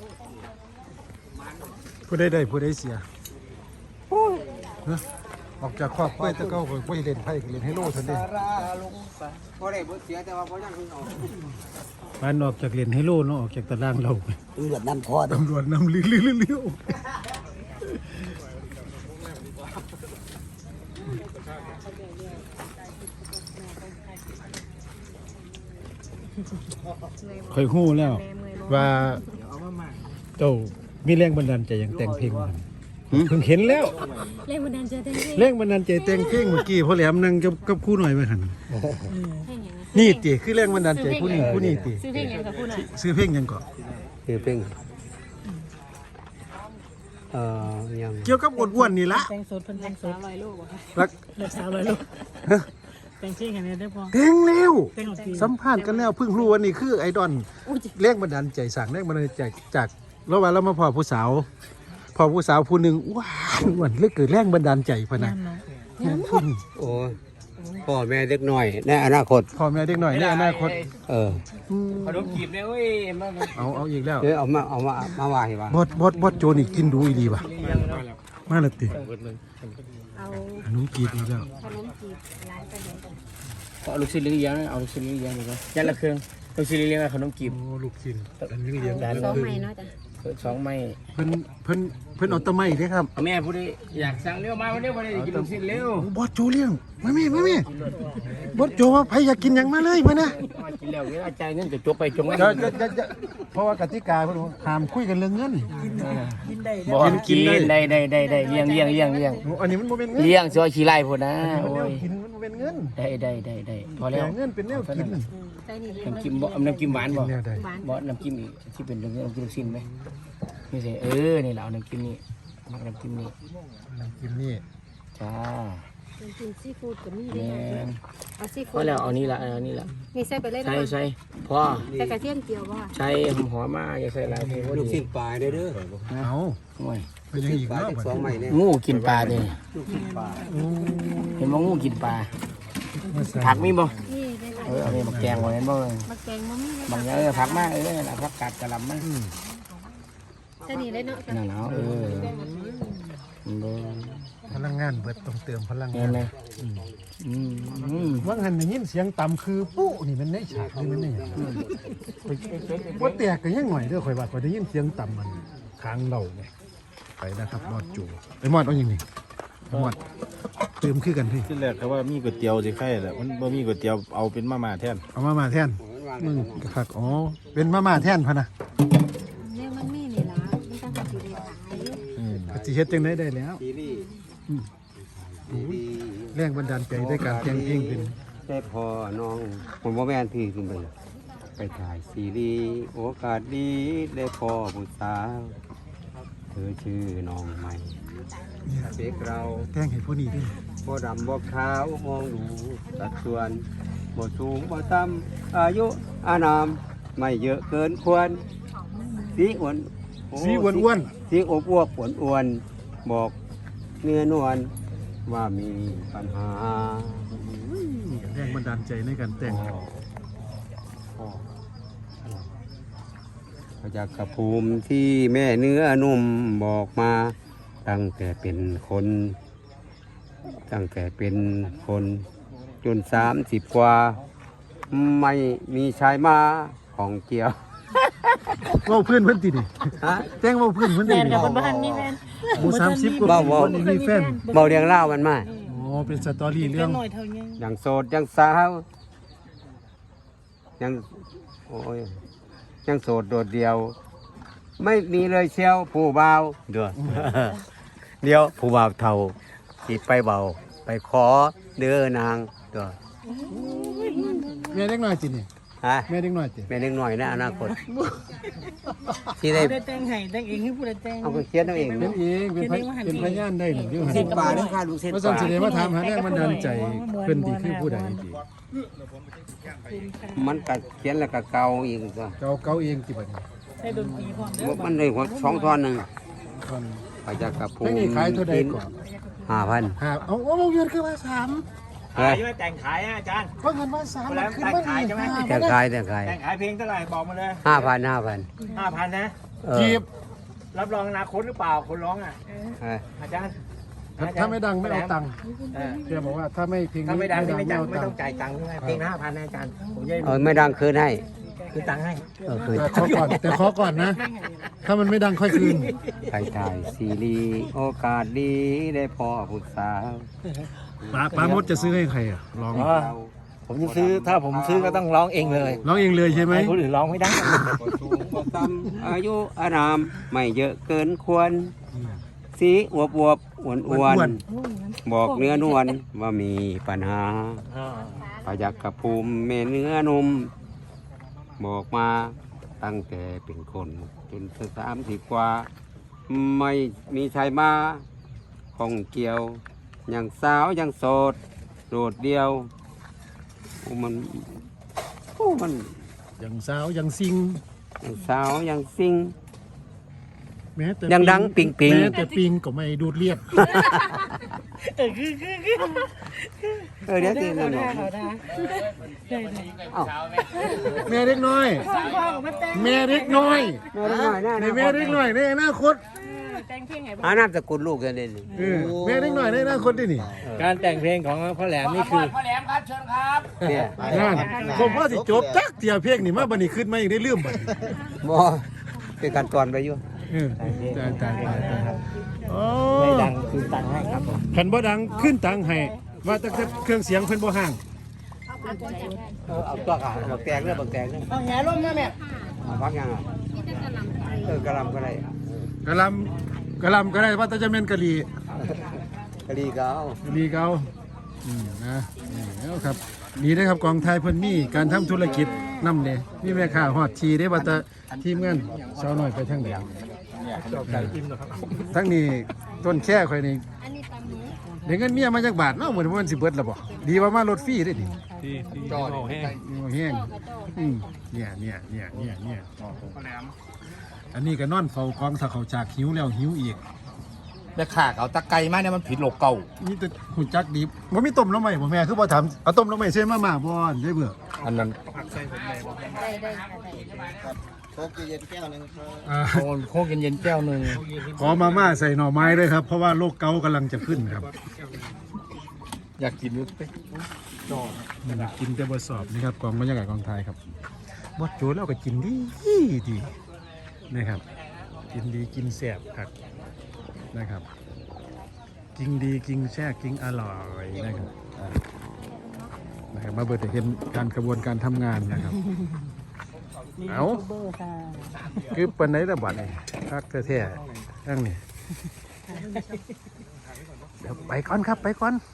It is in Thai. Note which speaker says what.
Speaker 1: ผู้ใดผู้ใดเสียออกจากครอบครัวตะเก้าบ่เล่นไพ่เล่นไฮโลทันเด้
Speaker 2: บ่ได้บ่เสียแต่ว่าบ่ยังเอา
Speaker 1: บ้านออกจากเล่นไฮโลเนาะออกจากตารางเรา
Speaker 3: ตำรวจนำคอ
Speaker 1: ตำรวจนำลิ้วค่อยฮู้แล้วว่าเจ้ามีแรงบันดาลใจอย่างแต่งเพลงเพิ่งเห็นแล้ว
Speaker 4: แรงบันดาลใจแต่งเพลง
Speaker 1: แรงบันดาลใจแต่งเพลงเมื่อกี้พ่อแหลมนั่งกับครู่หน่อยมาหันนี่ติคือแรงบันดาลใจผู้นี้ติ
Speaker 4: ซื้อเพลงยังกับผู้น่ะ
Speaker 1: ซื้อเพลงยังก่อน
Speaker 3: คือเพลงยัง
Speaker 1: เกี่ยวกับอ้วนๆนี่ละ
Speaker 4: แต่งสดเพิ่นแต่งสด100 โลบ่คะ
Speaker 1: รัก
Speaker 4: 300 โลแต่งเพลงอันนี้ได้พอ
Speaker 1: แต่งแล้วสัมภาษณ์กันแล้วเพิ่งรู้ว่านี่คือไอดอลแรงบันดาลใจสั่งแรงบันดาลใจจากระหว่างเรามาพอผู้สาวผู้หนึ่งว้าวเลยเกิดแรงบันดาลใจพะนะ
Speaker 3: โอ้พ่อแม่เด็กหน่อยในอนาคต
Speaker 1: พ่อแม่เด็กหน่อยในอนาคต
Speaker 2: ขนมจีบเนี่ยเว้ย
Speaker 1: เอาอีกแล้ว
Speaker 3: เอามาว่าให้ว่า
Speaker 1: บอสโจนี่กินดูอีดีป่ะมาละติ
Speaker 4: เอา
Speaker 1: ขนมจีบอีกแล้ว
Speaker 4: ขนมจีบร้านไปไหน
Speaker 2: เอาลูกชิ้นเลี้ยงเอาลูกชิ้นเลี้ยงดีกว่ายันละเครื่องลูกชิ้นเลี้ยงขนมจีบ
Speaker 1: ลูกชิ้นอันนี้เลี้ยง
Speaker 4: ได้2 ไม้เนาะจ้ะ
Speaker 2: 2 ไม้
Speaker 1: เพิ่นเอาตะไม้เด้ครับ
Speaker 2: แม่ผู้ใดอยากสั่งเร็วมาวันนี้บ่ได้กินลูกชิ้นเร็ว
Speaker 1: บอสโจเลี้ยงมาแม่บอสโจว่าใครอยากกินหยังมาเลยมานะ
Speaker 2: กินแล้วเวลาจ่ายเงินจะจบไปจง
Speaker 1: จะเพราะว่ากติกาเพิ่นห้ามคุยกันเรื่องเงิน
Speaker 2: กินได้บ่กินได้เลี้ยง
Speaker 1: อันนี้มันบ่เป็นเงิน
Speaker 2: เลี้ยงซอยขี้ไล่พุ่นนะโอ้ย
Speaker 1: กินมันบ่เป็นเงิน
Speaker 2: ได้พอแล้ว
Speaker 1: เงินเป็นแนวกิน
Speaker 4: ใส่นี่
Speaker 2: น้ำจิ้มบ่น้ำจิ้มหวานบ่น้ำจิ้มอีกที่เป็นเรื่องน้ำจิ้มลูกชิ้นไหมนี่สินี่แหละเอาน้ำจิ้มนี่มักน้ำจิ้มนี่
Speaker 1: จ้า
Speaker 4: น้ำจิ้มซีฟู้ดก็มีเด้เอาซีฟู้ด
Speaker 2: พอแล้วเอานี่ละ
Speaker 4: นี่ใส่ไปเลย
Speaker 2: ใส่พอ
Speaker 4: ใส่กระเทียมเจียวบ่
Speaker 2: ใส่หอมมาอย่าใส่หลายเพราะ
Speaker 3: ลูกชิ้นปลาเด้อ
Speaker 1: เอา
Speaker 2: โอ้ย
Speaker 1: เป็นยังอีกเนาะ
Speaker 3: 2 ไม้เนี่ย
Speaker 2: งูกินปลาเด้
Speaker 3: ลูกชิ้นปลา
Speaker 2: เห็นบ่งูกินปลาผักมีบ่
Speaker 4: นี่ได้
Speaker 2: เอาไปมาแกงไว้เห็นบ่
Speaker 4: มาแกงบ่มี
Speaker 2: บางอย่างผักมาล่ะผักกาดกะหล่ำมา
Speaker 4: ใส่นี่เลยเนาะ
Speaker 2: นั่นแล้ว
Speaker 1: พลังงานเบิดต้องเติมพลังงาน
Speaker 2: เลย
Speaker 1: ว่าหันได้ยินเสียงต่ำคือปุ๊นี่มันในฉากนี่มันนี่ว่าแตกก็ยังหน่อยเด้อข่อยว่าข่อยได้ยินเสียงต่ำมันค้างเราไงไปนะครับมอดจูไอ้มอดเอาอย่างนี้มอดเติมคือกันพี่
Speaker 5: ที่แรกเขาว่ามีก๋วยเตี๋ยวสิใครแหละมันบ่มีก๋วยเตี๋ยวเอาเป็นมาม่าแทน
Speaker 1: เอามาม่าแทนครับอ๋อเป็นมาม่าแทนพะนะ
Speaker 4: เนี่ยมันมีนี่ล่ะมันต้องสิได้ขาย
Speaker 1: สิเฮ็ดจังได๋ได้แล้วแรงบันดาลใจด้วยการแต่งเพลงเป็น
Speaker 3: ได้พอน้องผมว่าแม่นพี่ขึ้นไปถ่ายซีรีส์โอกาสดีได้พอผู้สาวเธอชื่อน้องใหม่เด็กเรา
Speaker 1: แต่งให้ผู้นี้ด้วย
Speaker 3: บ่ดำบ่ขาวมองดูสัดส่วนบ่สูงบ่ต่ำอายุอานามไม่เยอะเกินควรสีอ้วน
Speaker 1: สีอ้วน
Speaker 3: สีอบอวบอ้วนบอกเนื้อนวลว่ามีปัญหา
Speaker 1: แรงบันดาลใจในการแต่ง
Speaker 3: พระจักรภูมิที่แม่เนื้อนุ่มบอกมาตั้งแต่เป็นคนจน30 กว่าไม่มีชายมาของเกี่ยว
Speaker 1: ว่าเพื่อนติดิแต่งว่าเพื่อนติ
Speaker 4: แฟนกับบ้านมีแฟน
Speaker 1: หมู่30 กว่าคนมีแฟน
Speaker 3: เบาเรียงเล่ามันมา
Speaker 1: เป็นสตอรี่เรื่อง
Speaker 3: อย่างโสดยังสาวยังโสดโดดเดียวไม่มีเลยเชียวผู้บ่าวเดี๋ยวผู้บ่าวเท่าสิไปเบาไปขอเด้อนาง
Speaker 1: แม่เด็กน้อยจินี่แม่เด็กน้อยจิ
Speaker 3: แม่เด็กน้อยนะอนาคต
Speaker 4: ที่ได้แต่งให้แต่งเองให้ผู้ใดแต่ง
Speaker 3: เอาไปเขียนเอาเอง
Speaker 1: เป็นพยานได้หนึ่ง
Speaker 3: 10 บาทนึงค่ะลูกเส้น
Speaker 1: ว่าสั่งสิได้มาถามหาแรงบันดาลใจเพิ่นดีคือผู้ใดดี
Speaker 3: มันก็เขียนแล้วก็เกาอีกก็
Speaker 1: เกาเองจิบัดนี้
Speaker 4: ได้ดนตรีพร้อมเด้อ
Speaker 3: มันได้2 ท่อนนึงไปจากกับผู้
Speaker 1: นี่ขายเท่าใดก่อน
Speaker 3: 5,000
Speaker 1: เอาเงินคือว่า3
Speaker 2: ขายไม่แต่งขายอาจารย์
Speaker 1: เพราะเงินว่า3มันขึ้นมา
Speaker 2: ขายใช่ไหม
Speaker 3: แต่ขาย
Speaker 2: เพลงเท่าไหร่บอกมาเลย
Speaker 3: 5,000
Speaker 2: 5,000นะ
Speaker 1: จีบ
Speaker 2: รับรองอนาคตหรือเปล่าคนร้องอ่ะ
Speaker 3: เออ
Speaker 2: อาจารย์
Speaker 1: ถ้าไม่ดังไม่เอาตังค์
Speaker 2: เออ
Speaker 1: แกบอกว่าถ้าไม่เพลง
Speaker 2: ถ้า
Speaker 1: นี้
Speaker 2: ไม่ดังนี่ไม่
Speaker 1: เอา
Speaker 2: ไม่
Speaker 1: ตั
Speaker 2: ต้อง ง
Speaker 1: ค์
Speaker 2: จ่ายตังค์ใช่ไหมเพลงละ5,000นะอาจารย์ผมจะ
Speaker 3: ไม่ดังคืนให้
Speaker 2: คือตังค์ให้
Speaker 3: คืน
Speaker 1: แต่ขอก่อนแต่ขอก่อนนะ ถ้ามันไม่ดังค่อยคืน
Speaker 3: ไปถ่ายซีรีส์โอกาสดีได้พ่อผู้สาว
Speaker 1: ป้ามดจะซื้อให้ใครอ่ะร้อง
Speaker 6: ผมจะซื้อถ้าผมซื้อก็ต้องร้องเองเลย
Speaker 1: ร้องเองเลยใช่ไหม
Speaker 6: ให้คนอื่นร้องไม่ได้
Speaker 3: บ่สูงบ่ต่ำอายุอานามไม่เยอะเกินควร สีอวบอ้วนบอกเนื้อนวลว่ามีปัญหาปยักกระภูมิเมเนื้อนุ่มบอกมาตั้งแต่เป็นคนจน30 กว่า ไม่มีชายมาข้องเกี่ยวอย่างสาวยังโสดโดดเดียวโอ้มัน
Speaker 1: อย่างสาวอย่างซิง
Speaker 3: อย่างสาวยังซิง
Speaker 1: แม้แต่
Speaker 3: ยังดังปิง
Speaker 1: แม้แต่ปิงก็ไม่ดูดเลียด
Speaker 3: เดี๋ยวสินั่นบอกเอ้า
Speaker 1: แม่เล็กน้อย แม่เล็กน้อย ในแม่เล็กน้อยในอนาคต
Speaker 3: หานามสกุลลูกกันเลยนี่
Speaker 1: เออแม่เล็กน้อยในอนาคตดินี่
Speaker 6: การแต่งเพลงของพ่อแหลมนี่คือ
Speaker 2: พ่อแหลมครับเชิญครับ
Speaker 3: เนี่ย
Speaker 1: นั่นผมว่าสิจบจักเตียเพลงนี่มาบัดนี้ขึ้นมาอีกได้ลืมบัดนี้
Speaker 3: บ่เป็นการตอนไปอยู่
Speaker 1: เออตายโอ้
Speaker 2: ไม่ดังคือตังค์ให้ครับผม
Speaker 1: คันบ่ดังขึ้นตังค์ให้ว่าแต่เครื่องเสียงเพิ่นบ่ห่าง
Speaker 3: เอาตัวขาบักแตงเด้อบักแตงเด้อ
Speaker 2: เอาแหร่มมาแม่
Speaker 3: เอาพักยังอ่ะกะหลำก็ได้
Speaker 1: กะลำก็ได้ว่าแต่จะแม่นกะหรี่
Speaker 3: กะหรี่ก็เอา
Speaker 1: กะหรี่เก่านะนี่แล้วครับดีนะครับกองไทยเพิ่นมีการทำธุรกิจนำเด้มีแม่ค้าฮอดชีได้ว่าแต่ทีมงานสาวน้อยไปทางไหนทั้งนี้ต้นแค่ข่อยนี่
Speaker 4: อันนี้ตำหนิ
Speaker 1: เดี๋ยวเงินเมียมาจากบาทเนาะเหมือนมันสิเบิดแล้วบ่ดีว่ามารถฟรีได้ดิ
Speaker 6: จอดแห้ง
Speaker 1: แห้งเนี่ยอันนี้ก็นอนเฝ้าของถ้าเขาจากหิวแล้วหิวอีก
Speaker 6: แม่ข่าเอาตะไกมาเนี่ยมันผิดโลกเก่า
Speaker 1: นี่แต่หุ่นจักดีบ่มีต้มแล้วไหมบ่แม่คือบ่ถามเอาต้มแล้วไหมใส่มาม่าบ่อนได้เบื่อ
Speaker 6: อันนั้น
Speaker 4: ได้ค่ะได้
Speaker 6: โค้กเย็นแก้วหนึ่ง
Speaker 1: ขอมาม่าใส่หน่อไม้ด้วยครับ เพราะว่าโรคเกาต์กำลังจะขึ้นครับ
Speaker 6: อยากกินนึก
Speaker 1: กินแต่บ่สอบนี่ครับกองบรรยากาศกองไทยครับบดโจแล้วก็กินดีนะครับ กินดีกินแซ่บครับนะครับ กินดีกินแซ่บกินอร่อยนะครับนะครับมาเบิดจะเห็นการกระบวนการทำงานนะครับเอาคือปันไหนระบาดนี่คักแท้ๆทั้งนี้เดี๋ยวไปก่อนครับไปก่อน